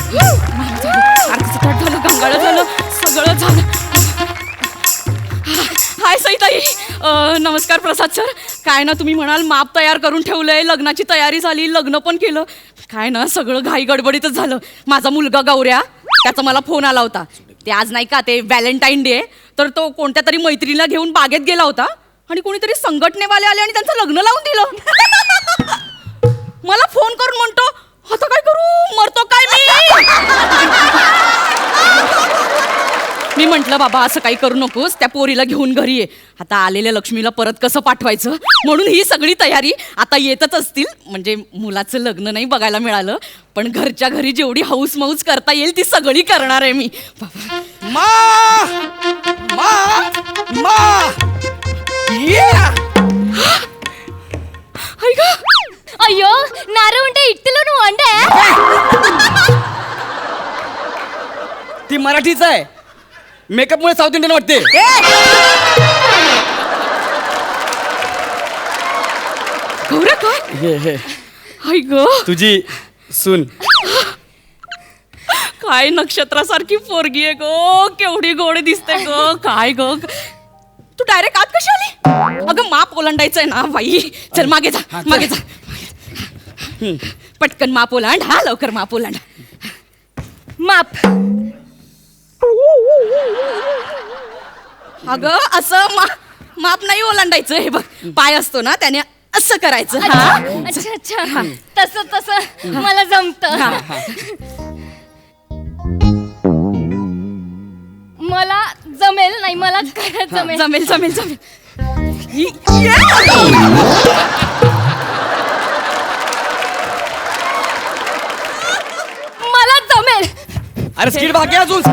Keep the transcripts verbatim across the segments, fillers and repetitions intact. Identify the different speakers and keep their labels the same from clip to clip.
Speaker 1: आरतीचं ताट झालं, गंगाळं झालं, सगळं झालं. हाय सईताई. नमस्कार प्रसाद सर. काय ना तुम्ही म्हणाल माप तयार करून ठेवलंय, लग्नाची तयारी झाली, लग्न पण केलं. काय ना सगळं घाई गडबडीतच झालं. माझा मुलगा गौऱ्या, त्याचा मला फोन आला होता. ते आज नाही का ते व्हॅलेंटाईन डे, तर तो कोणत्या तरी मैत्रिणीला घेऊन बागेत गेला होता आणि कोणीतरी संघटनेवाले आले आणि त्यांचं लग्न लावून दिलं. मला फोन करून म्हणतो, आता काय करू, मरतो काय मी. मी म्हंटल बाबा असं काही करू नकोस, त्या पोरीला घेऊन घरी ये. आता आलेल्या लक्ष्मीला परत कसं पाठवायचं म्हणून ही सगळी तयारी. आता येतच असतील, म्हणजे मुलाचं लग्न नाही बघायला मिळालं, पण घरच्या घरी जेवढी हौस मौज करता येईल ती सगळी करणार आहे मी.
Speaker 2: मा मा मा
Speaker 3: ಅಯ್ಯೋ ನಾರು ಉಂಟೆ ಇಟ್ಟಿಲ್ಲೂ ಅಂಡೆ
Speaker 2: ती मराठीच आहे. मेकअप मुळे साऊथ इंडियन वाटते.
Speaker 1: गौऱ्या काय
Speaker 2: हे हे
Speaker 1: हाय ग,
Speaker 2: तुझी सून.
Speaker 1: काय नक्षत्रासारखी पोरगी आहे ग, केवढी गोड दिसते ग. काय ग तू डायरेक्ट आत कशी आली. अगं माप ओलांडायचंय ना बाई. चल मागे जा, मागे जा, पटकन माप ओलांड. हा लवकर माप ओलांड.
Speaker 3: माप.
Speaker 1: अगं असं मा माप नाही ओलांडायचं. हे बघ पाय असतो ना त्याने असं करायचं. हा
Speaker 3: अच्छा अच्छा तसं तसं मला जमतं. मला जमेल नाही, मला काय जमेल.
Speaker 1: जमेल जमेल जमेल.
Speaker 3: मला जमेल.
Speaker 2: अरे स्किट बाकी आहे अजून.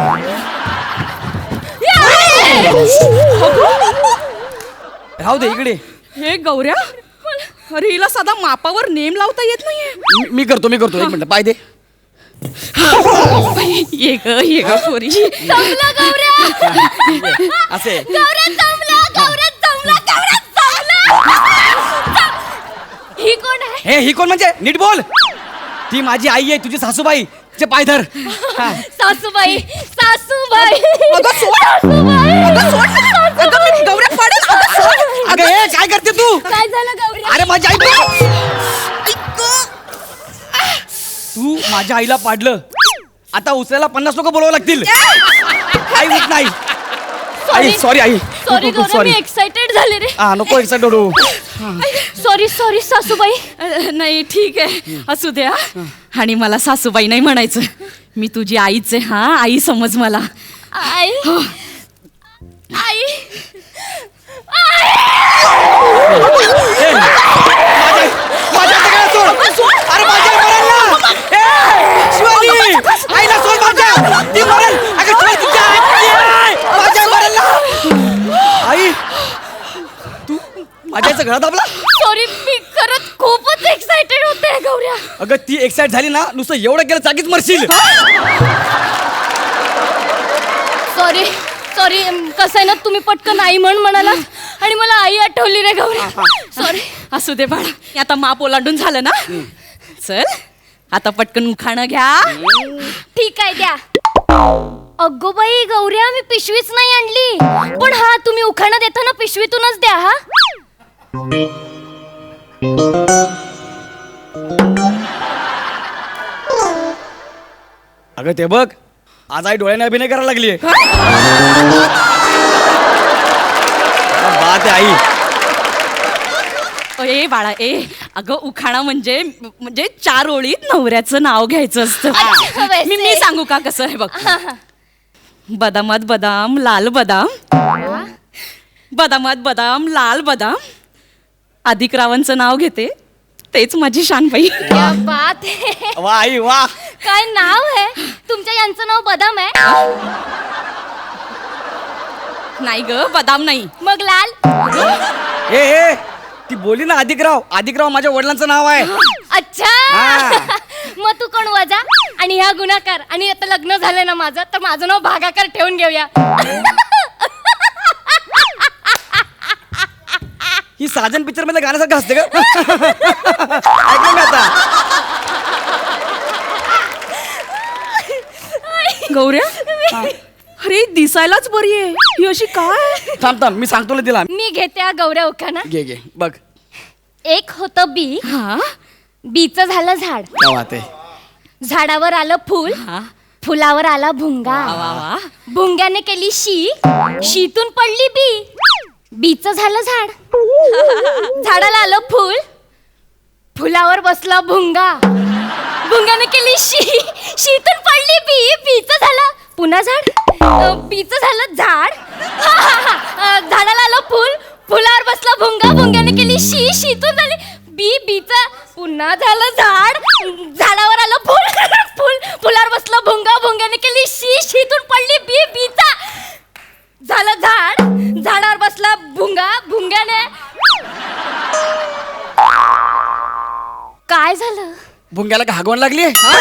Speaker 2: राहू दे इकडे.
Speaker 1: हे गौऱ्या, अरे हिला साधा मापावर नेम लावता येत नाहीये.
Speaker 2: मी- मी करतो मी करतो एक मिनिट पाय दे.
Speaker 1: ये ग ये ग पोरी.
Speaker 3: जमला गौऱ्या.
Speaker 2: असे
Speaker 3: गौऱ्या जमला, गौऱ्या जमला, गौऱ्या जमला. ही कोण आहे?
Speaker 2: हे ही कोण म्हणजे नीट बोल. ती माझी आई आहे, तुझी सासूबाई. तिचे पाय धर. हा.
Speaker 3: सासूबाई, सासूबाई.
Speaker 1: अगं सोड.
Speaker 3: सासूबाई.
Speaker 1: अगं सोड. अगं मी गौऱ्या पडेल. अगं सोड.
Speaker 2: अगं हे काय करते तू.
Speaker 3: काय झालं गौऱ्या?
Speaker 2: अरे माझी आई बघ. तू माझ्या आईला पाडलं. आता उचलायला पन्नास लोक बोलावं लागतील. आई उठ नाही. आई सॉरी आई.
Speaker 3: सॉरी गौऱ्या, मी एक्साइटेड झाले रे.
Speaker 2: हा नको एक्साइटेड होऊ.
Speaker 3: सॉरी सॉरी सासूबाई.
Speaker 1: अ, नाही ठीक आहे असू द्या. आणि मला सासूबाई नाही म्हणायचं, मी तुझी आईच आहे. हा आई समज मला.
Speaker 3: आई आई
Speaker 2: माझ्या हाताकडे सोड. अरे माझ्या मरेल ना. ए, शिवानी आईला सोड माझ्या. ती मरेल. अगं सोड तिच्या आई. माझ्या मरेल ना. आई तू माझ्या आईचा गळा दाबला.
Speaker 3: सॉरी, मी खरंच खूपच एक्साइटेड होते गौऱ्या.
Speaker 2: अगं ती एक्साइट झाली ना, नुसतं एवढं केलं जागीच मरशील.
Speaker 3: सॉरी सॉरी कसं आहे ना, तुम्ही पटकन आई म्हण म्हणाला आणि मला आई आठवली रे गौऱ्या. सॉरी.
Speaker 1: असू दे बाळा, आता माप ओलांडून झालं ना. चल आता पटकन उखाणं घ्या.
Speaker 3: ठीक आहे द्या. अगो बाई गौऱ्या, मी पिशवीच नाही आणली. पण हा तुम्ही उखाणा देताना पिशवीतूनच द्या. हा
Speaker 2: अगं ते बघ, आज आई डोळ्याने अभिनय करायला लागली. बात आहे आई.
Speaker 1: ए बाळा ए, अगं उखाणा म्हणजे म्हणजे चार ओळीत नवऱ्याचं नाव घ्यायचं असतं.
Speaker 3: अच्छा, वैसे.
Speaker 1: मी मी सांगू का कसं आहे बघ. बदामात बदाम लाल बदाम, बदामात बदाम लाल बदाम. अधिक रावांचं नाव घेते, तेच माझी शानबाई.
Speaker 3: क्या बात आहे.
Speaker 2: वा आई वा.
Speaker 3: काय नाव आहे तुमच्या? यांचं नाव बदाम आहे?
Speaker 1: नाही ग बदाम नाही.
Speaker 3: मग लाल.
Speaker 2: ए ए ती बोली ना अधिकराव. अधिकराव माझ्या वडिलांचं नाव आहे.
Speaker 3: अच्छा.
Speaker 2: हा.
Speaker 3: मग तू कोण वजा आणि ह्या गुन्हाकार, आणि आता लग्न झालं ना माझं, तर माझं नाव भागाकार ठेवून घेऊया.
Speaker 2: ही साजन पिक्चर मध्ये गाण्यासारखं असते का. ऐकलं मी आता.
Speaker 1: गौऱ्या अरे दिसायलाच बरी आहे ही अशी काय?
Speaker 2: थांब थांब मी सांगतो ना तिला.
Speaker 3: मी घेते हा गौऱ्या उखाणा.
Speaker 2: घे घे बघ.
Speaker 3: एक होतं बी,
Speaker 1: हा
Speaker 3: बीचं झालं झाड,
Speaker 2: काय बात आहे.
Speaker 3: झाडावर आलं फुल,
Speaker 1: हा
Speaker 3: फुलावर आला भुंगा,
Speaker 1: वा वा वा.
Speaker 3: भुंग्याने केली शी, शीतून पडली बी, बीचं झालं झाड, झाडाला आलं फुल, फुलावर बसला भुंगा, भुंग्याने केली शी, शीतून पडली बी, बीचं झालं पुन्हा झाड, अं, बीचं झालं झाड, हा, हा, हा. अं, झाडाला आलं फुल, फुलावर बसला भुंगा, भुंग्याने केली शी, शीतून झाली बी, बीचं पुन्हा झालं झाड, झाडावर आलं फुल, फुल फुलावर बसला भुंगा, भुंग्याने केली शी, शीतून पडली बी, बीचा झालं झाड, झाडावर बसला भुंगा, भुंग्याने काय झालं?
Speaker 2: भुंग्याला का हागवण लागली?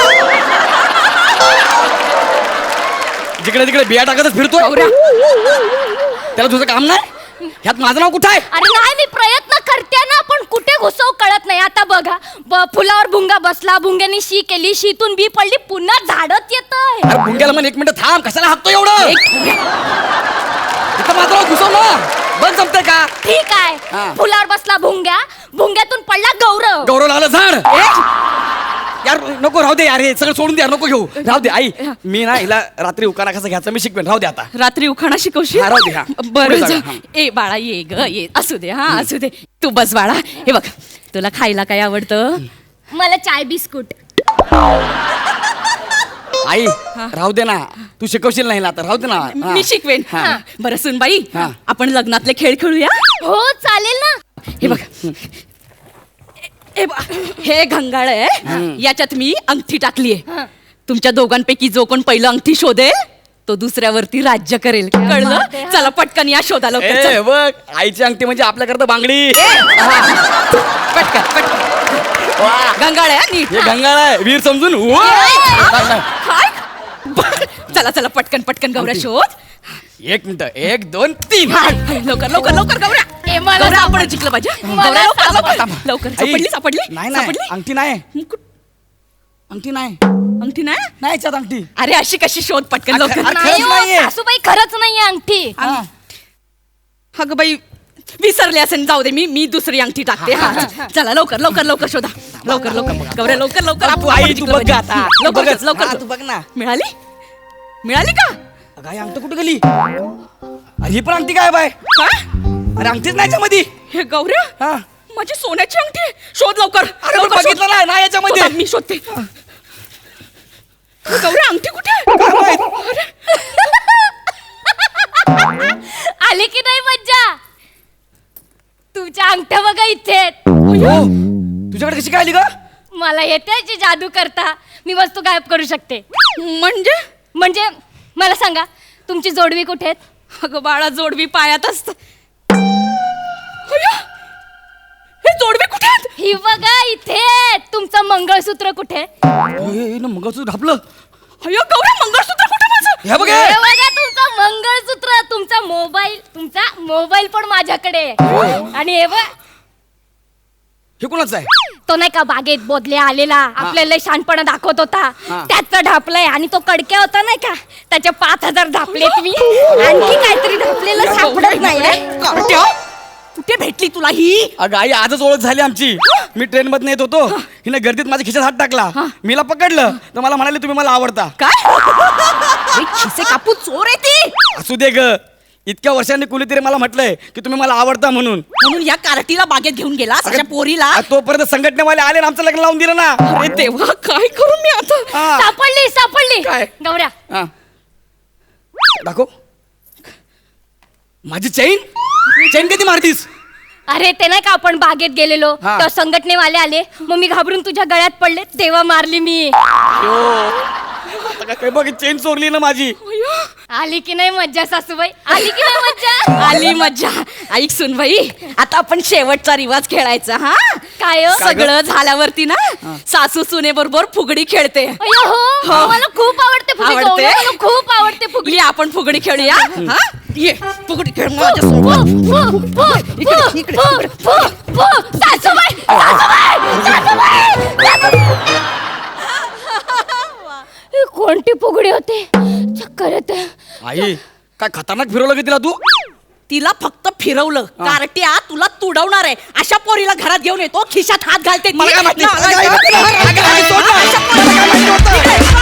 Speaker 2: जिकडे तिकडे बिया टाकतच फिरतोय.
Speaker 1: गौऱ्या
Speaker 2: त्याला तुझं काम नाही? ह्यात माझं नाव कुठं आहे?
Speaker 3: अरे नाही मी प्रयत्न करते ना, पण कुठे घुसव कळत नाही. आता बघा ब- फुलावर भुंगा बसला, भुंग्याने शी केली, शीतून बी पडली, पुन्हा झाडत येतंय.
Speaker 2: अरे भुंग्याला म्हण एक मिनिट थांब, कशाला हाकतो एवढं? इथं माझं नाव घुसव ना. बंद जमतंय का?
Speaker 3: ठीक
Speaker 2: हा.
Speaker 3: आहे. फुलावर बसला भुंग्या, भुंग्यातून पडला गौरव.
Speaker 2: गौरव आलं झाड. यार नको राहू दे यार, हे सगळं सोडून दे यार, नको घेऊ. राहू दे आई, मी ना हिला रात्री उकाना कसा घ्यायचा मी शिकवेन. राहू दे आता.
Speaker 1: रात्री उखाणा शिकवशील?
Speaker 2: हा, राहू दे, हा.
Speaker 1: बरं
Speaker 2: पुढे
Speaker 1: जा.
Speaker 2: जा, हा.
Speaker 1: ए बाळा ये ग ये, असू दे हा असू दे. तू बस बाळा. हे बघ तुला खायला काय आवडतं?
Speaker 3: मला चाय बिस्कुट.
Speaker 2: आई राहू दे ना, तू शिकवशील नाही ना आता. राहू दे ना. हा.
Speaker 1: मी शिकवेन.
Speaker 2: हा.
Speaker 1: बरं सुनबाई
Speaker 2: हा.
Speaker 1: आपण लग्नातले खेळ खेळूया.
Speaker 3: हो चालेल ना.
Speaker 1: हे बघ हे बघ, हे घंगाळ आहे, याच्यात मी अंगठी टाकली आहे. तुमच्या दोघांपैकी जो कोण पहिलं अंगठी शोधेल तो दुसऱ्यावरती राज्य करेल. कळलं?
Speaker 3: बात आहे, हा.
Speaker 1: चला पटकन या शोधाला.
Speaker 2: ए बघ आईची अंगठी म्हणजे आपल्याकरता बांगडी.
Speaker 1: पटकन पटकन.
Speaker 2: वा.
Speaker 1: घंगाळ आहे हा, नीट.
Speaker 2: हे गंगाळ आहे, वीर समजून. वा.
Speaker 1: काय बरं, चला चला पटकन पटकन गौऱ्या शोध.
Speaker 2: एक मिनिट, एक दोन तीन.
Speaker 1: हा, लवकर लवकर लवकर गौऱ्या.
Speaker 3: ए, मला
Speaker 1: गौऱ्या,
Speaker 3: सापड-
Speaker 1: आपण जिंकलं पाहिजे.
Speaker 3: मला
Speaker 1: गौऱ्या, लवकर,
Speaker 3: सापड-
Speaker 1: लवकर लवकर.
Speaker 2: आई,
Speaker 1: सापडली सापडली
Speaker 2: नाही नाही
Speaker 1: सापडली
Speaker 2: अंगठी नाही,
Speaker 1: मुकुट.
Speaker 2: अंगठी नाही,
Speaker 1: अंगठी नाही
Speaker 2: नाही याच्यात अंगठी.
Speaker 1: अरे अशी कशी शोध पटकन
Speaker 2: अरे,
Speaker 1: लवकर.
Speaker 2: अरे,
Speaker 3: नाही
Speaker 2: खरंच
Speaker 3: हो,
Speaker 2: नाहीये.
Speaker 3: सासूबाई खरंच नाहीये अंगठी.
Speaker 2: हा.
Speaker 1: अगं बाई विसरले असेल, जाऊ दे मी मी दुसरी अंगठी टाकते. हा चला लवकर लवकर लवकर शोधा. लवकर लवकर गौऱ्या लवकर लवकर.
Speaker 2: तू आई, तू बघ गं आता. तू
Speaker 1: लवकर
Speaker 2: बघच.
Speaker 1: शोध, लवकर
Speaker 2: हा,
Speaker 1: शोध.
Speaker 2: तू बघ ना.
Speaker 1: मिळाली मिळाली का?
Speaker 2: अगं आई अंगठी कुठे गेली? अरे ही पण अंगठी काय बाय?
Speaker 1: काय
Speaker 2: अरे अंगठीच नाही याच्यामध्ये.
Speaker 1: हे गौऱ्या
Speaker 2: हा.
Speaker 1: माझी सोन्याची अंगठी आहे. शोध लवकर.
Speaker 2: अरे पण
Speaker 1: लवकर शोध.
Speaker 2: बघितलं नाही ना याच्यामध्ये.
Speaker 1: शोधा, मी शोधते. गौऱ्या अंगठी कुठे आहे?
Speaker 2: काय माहित?
Speaker 3: आली की नाही मज्जा? तुमच्या अंगठ्या बघा इथे आहेत.
Speaker 2: हो. तुझ्याकडे कशी काय आली ग?
Speaker 3: मला येते याची जादू करता. मी वस्तू गायब करू शकते.
Speaker 1: म्हणजे
Speaker 3: म्हणजे मला सांगा तुमची जोडवी कुठे आहेत?
Speaker 1: अगं बाळा जोडवी पायात असत. हे जोडवी कुठे आहेत?
Speaker 3: ही बघा इथे आहेत. तुमचं मंगळसूत्र कुठे?
Speaker 2: ए, ना मंगळसूत्र घापलं.
Speaker 1: अयो गौऱ्या मंगळसूत्र कुठे माझं?
Speaker 2: हे बघ
Speaker 3: हे
Speaker 2: हे.
Speaker 3: बघा तुमचं मंगळसूत्र, तुमचा मोबाईल, तुमचा मोबाईल पण माझ्याकडे आहे. आणि हे बघ
Speaker 2: हे कोणाचं आहे?
Speaker 3: तो नाही का बागेत बोधले आलेला आपल्याला शहाणपणा दाखवत होता,
Speaker 2: हा.
Speaker 3: त्याचा ढापलाय. आणि तो कडक्या होता नाही का, त्याचे पाच हजार ढापलेत मी. आणखी काहीतरी ढापलेलं सापडत नाही.
Speaker 1: कार्ट्या, कुठे भेटली तुला ही?
Speaker 2: अगं आई आजच ओळख झाली आमची. मी ट्रेन मध्ये येत होतो, हिने गर्दीत माझ्या खिशात हात टाकला. मीला पकडलं तर मला म्हणाले तुम्ही मला आवडता.
Speaker 1: काय अरे, खिसे कापून चोर आहे ती.
Speaker 2: असू दे ग, इतक्या वर्षांनी कुणीतरी मला म्हटलंय की तुम्ही मला आवडता म्हणून.
Speaker 1: म्हणून या कार्टीला बागेत घेऊन गेला अशा पोरीला.
Speaker 2: आ, तोपर्यंत संघटनेवाले आले आणि आमचं लग्न लावून दिलं ना.
Speaker 1: अरे देवा काय करू मी आता?
Speaker 2: हा.
Speaker 3: सापडली सापडली
Speaker 2: काय?
Speaker 3: गौऱ्या.
Speaker 2: हा. दाखव माझी चैन. चैन कधी मारतीस?
Speaker 3: अरे ते नाही का आपण बागेत गेलेलो,
Speaker 2: हा.
Speaker 3: तेव्हा संघटनेवाले आले, मग मी घाबरून तुझ्या गळ्यात पडले, तेव्हा मारली मी.
Speaker 2: आता काय बघ चेन चोरली ना माझी.
Speaker 3: आली की नाही मज्जा सासूबाई? आली की नाही मज्जा?
Speaker 1: आली मज्जा. ऐक सुनबाई, आता आपण शेवटचा रिवाज खेळायचा. हा
Speaker 3: काय हो?
Speaker 1: सगळं झाल्यावरती ना सासू सुने बरोबर फुगडी खेळते.
Speaker 3: अय्यो, हो मला खूप आवडते फुगडी.
Speaker 1: आवडते?
Speaker 3: गौऱ्या, मला खूप आवडते फुगडी.
Speaker 1: ये आपण फुगडी खेळूया. हा ये फुगडी खेळ
Speaker 3: फु,
Speaker 1: माझ्यासोबत.
Speaker 3: फु, फु,
Speaker 1: इकडे,
Speaker 3: फु,
Speaker 1: इकडे,
Speaker 3: फु,
Speaker 1: इकडे.
Speaker 3: फु, फु. सासूबाई, सासूबाई, सासूबाई, सासूबाई. ही कोणती फुगडी होती? चक्कर येते.
Speaker 2: आई काय खतरनाक फिरवलं की तिला तू
Speaker 1: तिला फक्त फिरवलं. कार्ट्या तुला तुडवणार आहे. अशा पोरीला घरात घेऊन येतो, खिशात हात घालते ती.
Speaker 2: मला काय माहिती?
Speaker 1: नालायक.
Speaker 2: अगं, अगं, अगं, सोड ना.
Speaker 1: अशा पोरीला
Speaker 2: मला काय माहिती होतं?